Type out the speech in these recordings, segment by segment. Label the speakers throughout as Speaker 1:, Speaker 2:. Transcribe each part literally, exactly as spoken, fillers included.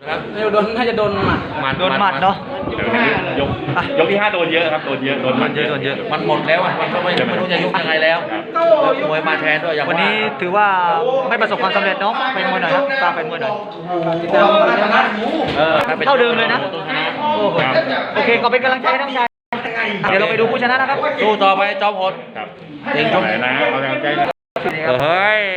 Speaker 1: ครับโดนน่าจะโดนหมัดหมัด
Speaker 2: โดนหมัดเนาะ
Speaker 3: ยกยกที่ห้าโดนเยอะครับโดนเยอะโดน
Speaker 2: มันเยอะโดนเยอะ
Speaker 1: มันหมดแล้วอ่ะมันก็ไม่ไม่รู้จะยุบยังไงแล้วมวยมาแทนด้วยอย่าง
Speaker 2: วันนี้ถือว่าไม่ประสบความสำเร็จเนาะเป็นมวยหน่อยครับตามเป็นมวยหน่อยเท่าเดิมเลยนะโอ้โหโอเคก็เป็นกำลังใจให้ทั้งชายเดี๋ยวเราไปดูผู้ชนะนะครับ
Speaker 1: สู้ต่อไปจอมพล
Speaker 3: ครับ
Speaker 1: เก่งจัง
Speaker 3: ไหนนะเอาแรงใจ
Speaker 1: เฮ้ย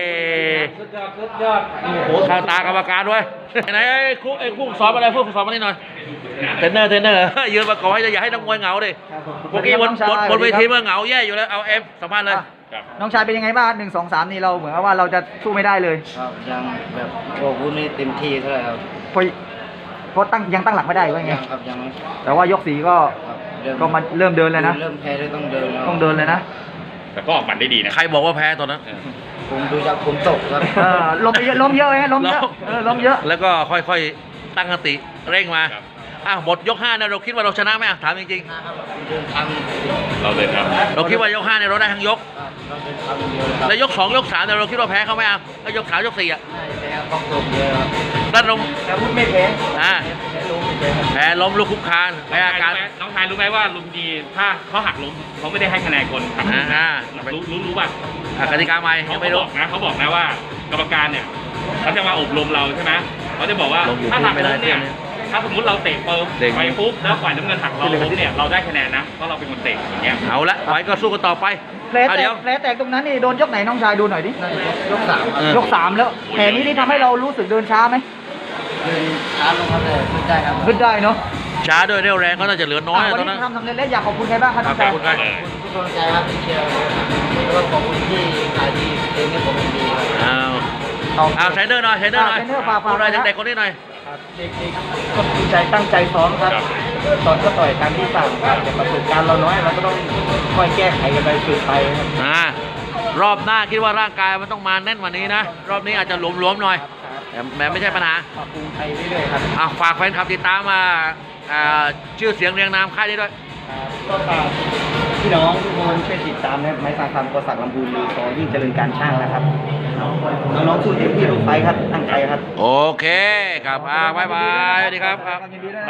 Speaker 1: โอ้โหข้างตากรรมการด้วยไหนไอ้ครูไอ้ครูสอนอะไรครูสอนมาหน่อยเทรนเนอร์เทรนเนอร์ยืนมาก่อนให้อย่าให้นักมวยเหงาดิเมื่อกี้บนบนบนเวทีเมื่อเหงาแย่อยู่แล้วเอาเอฟสัมภาษณ์เลย
Speaker 2: น้องชายเป็นยังไงบ้างหนึ่งสองสามนี่เราเหมือนว่าเราจะสู้ไม่ได้เลย
Speaker 4: ครับยังแบบโอ้พูดไม่เต็มที่เท่าไหร่ครับ
Speaker 2: เพราะเพราะตั้งยังตั้งหลักไม่ได้ว่าไง
Speaker 4: ยังครับยังไม่
Speaker 2: แต่ว่ายกสีก็
Speaker 4: ครับเริ่ม
Speaker 2: ก็มาเริ่มเดินเลยนะ
Speaker 4: เริ่มแพ้เลยต้องเดินแล้ว
Speaker 2: ต้องเดินเลยนะ
Speaker 3: แต่ก็ออกหมัดได้ดีนะ
Speaker 1: ใครบอกว่าแพ้ตอนนั้น
Speaker 4: ผมดูจากผมตกครับ
Speaker 2: เออล้มไปเยอะล้มเยอะไงล้มเยอะเออล้มเยอะ
Speaker 1: แล้วก็ค่อยๆตั้งสติเร่งมาอ่ะหมดยกห้าเนี่ยเราคิดว่าเราชนะไหมอ่ะถามจริง
Speaker 4: เดินทาง
Speaker 3: เราเลยครับ
Speaker 1: ๆเราคิดว่ายกห้าเนี่ยเราได้ทั้งยก
Speaker 4: เราเดินทางเดียวครับ
Speaker 1: แล้วยกสองยกสามเนี่ยเราคิดว่าแพ้เขาไหมอ่ะแล้วยกสามยกสี่อ่ะ
Speaker 4: แพ้ต้องตกเยอะครับ
Speaker 1: แล้วเรา
Speaker 2: แต่พูดไม่แพ้
Speaker 1: อ่า
Speaker 4: แพ้ล้มแพ้ครับ
Speaker 1: แพ้ล้มลุกคุกคานแพ้อาการ
Speaker 3: น้องชายรู้ไหมว่าลุมดีถ้าเขาหักล้มเขาไม่ได้ให้คะแนนคนครับ
Speaker 1: อ่าอ่า
Speaker 3: รู้รู้รู้ป่ะ
Speaker 1: อ่ะกติกาใหม่
Speaker 3: เขา
Speaker 1: ยัง
Speaker 3: บ
Speaker 1: ไม่รู้
Speaker 3: อกนะเขาบอกนะว่ากรรมการเนี่ยเขาจะมาอบรมเราใช่ไหมเขาจะบอกว่า
Speaker 1: ลงอยู่
Speaker 3: ถ้าหัก
Speaker 1: ไม่ได้
Speaker 3: ล้มเนี่ย
Speaker 1: เส้นเนี่ย
Speaker 3: ถ้าสมมติเราเตะเปิม
Speaker 1: เด้ง
Speaker 3: ไปปุ๊บแล้วฝ่ายน้ำเงินหักเราล้มเนี่ยเราได้คะแนนนะเพราะเราเป็นคนเตะอย่างเงี้ย
Speaker 1: เอาละไว้ก็สู้กันต่อไป
Speaker 2: แผล
Speaker 1: เอา
Speaker 2: แต
Speaker 1: เดี๋
Speaker 2: ก
Speaker 1: ยว
Speaker 2: แผลแตกตรงนั้นนี่โดนยกไหนน้องชายดูหน่อยดิ
Speaker 4: น่าจะยกสามครับ
Speaker 1: เออ
Speaker 2: ยกสามแล้วแผลนี้นี่ทำให้เรารู้สึกเดินช้าไหม
Speaker 4: เดินช้าลงครับแต่ขึ้นได้ครับ
Speaker 2: ขึ้นได้เนาะ
Speaker 1: ช้าด้วยเร็วแรงก็น่าจะเหลือน้อย
Speaker 2: อ่ะ
Speaker 1: อะ
Speaker 2: วัน
Speaker 1: ตอน
Speaker 2: นี้
Speaker 1: นั้น
Speaker 2: ทำสำเร็จแล้วอยากขอบคุณใครบ้างครับ
Speaker 1: ค
Speaker 2: น้
Speaker 1: รั
Speaker 2: อบ ง
Speaker 1: ขอ
Speaker 2: ชาย
Speaker 1: บคุณครับ
Speaker 4: ทุกกำลังใจครับที่เชียร์แล้วก็ขอบคุณที่ขายดีเองให้ผมเป็นดีครับ
Speaker 1: เอาเอาเทรนเนอร์หน่อยเทรนเนอร์หน่อย
Speaker 2: เทรนเนอร์ฝาก
Speaker 1: พูดอะไร
Speaker 2: ฝาก
Speaker 1: เด็กๆคนนี้หน่อย
Speaker 4: เด็กๆก็ตั้งใจตั้งใจซ้อมครับตอนก็ต่อยตามที่สั่งครับแต่ประสบการณ์เราน้อยเราก็ต้องค่อยแก้ไขกันไปฝึกไปครับ
Speaker 1: อ่ารอบหน้าคิดว่าร่างกายมันต้องมาแน่นกว่านี้นะ รอบนี้อาจจะหลวมๆหน่อยแต่แต่ไม่ใช่ปัญหา
Speaker 4: ปรับปรุงไปเรื่อยๆครับ
Speaker 1: อ่ะฝากแฟนคลับติดตามมาอ่าชื่อเสียงเรียงนามค่ายนี้ด้วย
Speaker 4: ก็ฝากพี่น้องทุกคนช่วยติดตามนะครับไม้สังคำกษักลำพูนหรือสอยิ่งเจริญการช่างนะครับน้องๆสู้เต็มที่ทุกไฟท์ครับตั้งใจครับ
Speaker 1: โอเคครับอ่าบ๊ายบายสวัสดีครับ